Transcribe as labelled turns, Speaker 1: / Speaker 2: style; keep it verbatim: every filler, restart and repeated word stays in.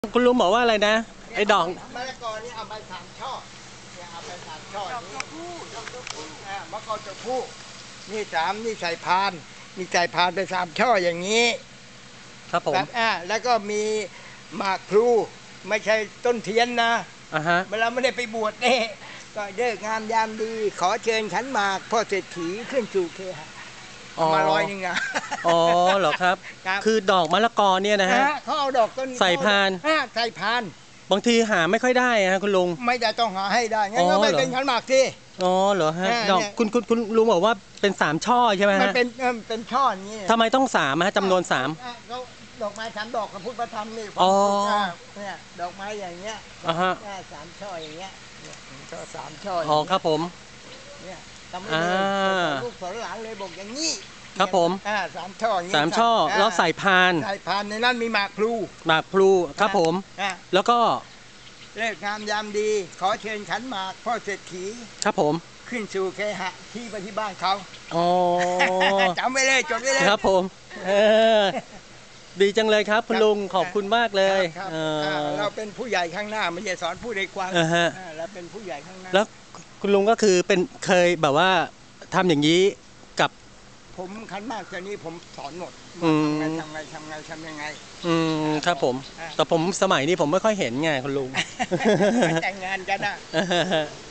Speaker 1: คุณลุงบอกว่าอะไรนะไอ้ดอก
Speaker 2: มะละกอนี่เอาไปสามช่อเนี่ยเอาไปสามช่อดอกตัวผู้ดอกตัวผู้อ่ามะละกอตัวผู้นี่สามนี่ใส่พานนี่ใส่พานไปสามช่ออย่างนี้
Speaker 1: ครับผม
Speaker 2: อ่าแล้วก็มีหมากพลูไม่ใช่ต้นเทียนนะ
Speaker 1: อ่าฮะ
Speaker 2: เวลาไม่ได้ไปบวชเนี่ยก็เลิกงามยามดีขอเชิญขันหมากพ่อเศรษฐีขึ้นสู่เคหะมาร้อยหนึ่งอ่ะ
Speaker 1: อ๋อเหรอครับคือดอกมะละกอเนี่ยนะฮะ
Speaker 2: เขาเอาดอกต้น
Speaker 1: ใส่พาน
Speaker 2: ใส่พาน
Speaker 1: บางทีหาไม่ค่อยได้ฮะคุณลุง
Speaker 2: ไม่ได้ต้องหาให้ได้งั้นก็ไม่เป็นขันหมากที่
Speaker 1: อ๋อเหรอฮะดอกคุณคุณคุณลุงบอกว่าเป็นสามช่อใช่ไหมฮะ
Speaker 2: มันเป็นเป็นช่ออย่างนี้
Speaker 1: ทำไมต้องสามฮะจำนวนสาม
Speaker 2: เขาดอกไม้สามดอกกับพุทธธรรมนี่
Speaker 1: อ๋อ
Speaker 2: เนี่ยดอกไม้อย่างเงี้ย
Speaker 1: อ่าฮะ
Speaker 2: สามช่ออย่างเงี้ยช่อสามช่อ
Speaker 1: อ๋อครับผม
Speaker 2: เนี่ยทำให้ลูกสอนหลานเลยบอกอย่างนี้
Speaker 1: ครับผม
Speaker 2: อ่าสามช่ออย่างนี้
Speaker 1: สามช่อแล้วใส่พาน
Speaker 2: ใส่พานในนั้นมีหมากพลู
Speaker 1: หมากพลูครับผมแล้วก็
Speaker 2: เลิกงามยามดีขอเชิญขันหมากพ่อเศรษฐี
Speaker 1: ครับผม
Speaker 2: ขึ้นสู่เคหะที่ไปที่บ้านเขา
Speaker 1: อ๋อ
Speaker 2: จำไว้เลยจดไว้เลย
Speaker 1: ครับผมเออดีจังเลยครับคุณลุงขอบคุณมากเลย
Speaker 2: เราเป็นผู้ใหญ่ข้างหน้าไม่ใช่สอนผู้เด็กกว่าเราเป็นผู้ใหญ่ข้างหน้า
Speaker 1: แล้วคุณลุงก็คือเป็นเคยแบบว่าทำอย่างนี้กับ
Speaker 2: ผมขันหมากตัวนี้ผมสอนหมดทำไงทำไงทำไงทำยังไง
Speaker 1: อืมครับผมแต่ผมสมัยนี้ผมไม่ค่อยเห็นไงคุณลุง
Speaker 2: แต่งงานกันอ่ะ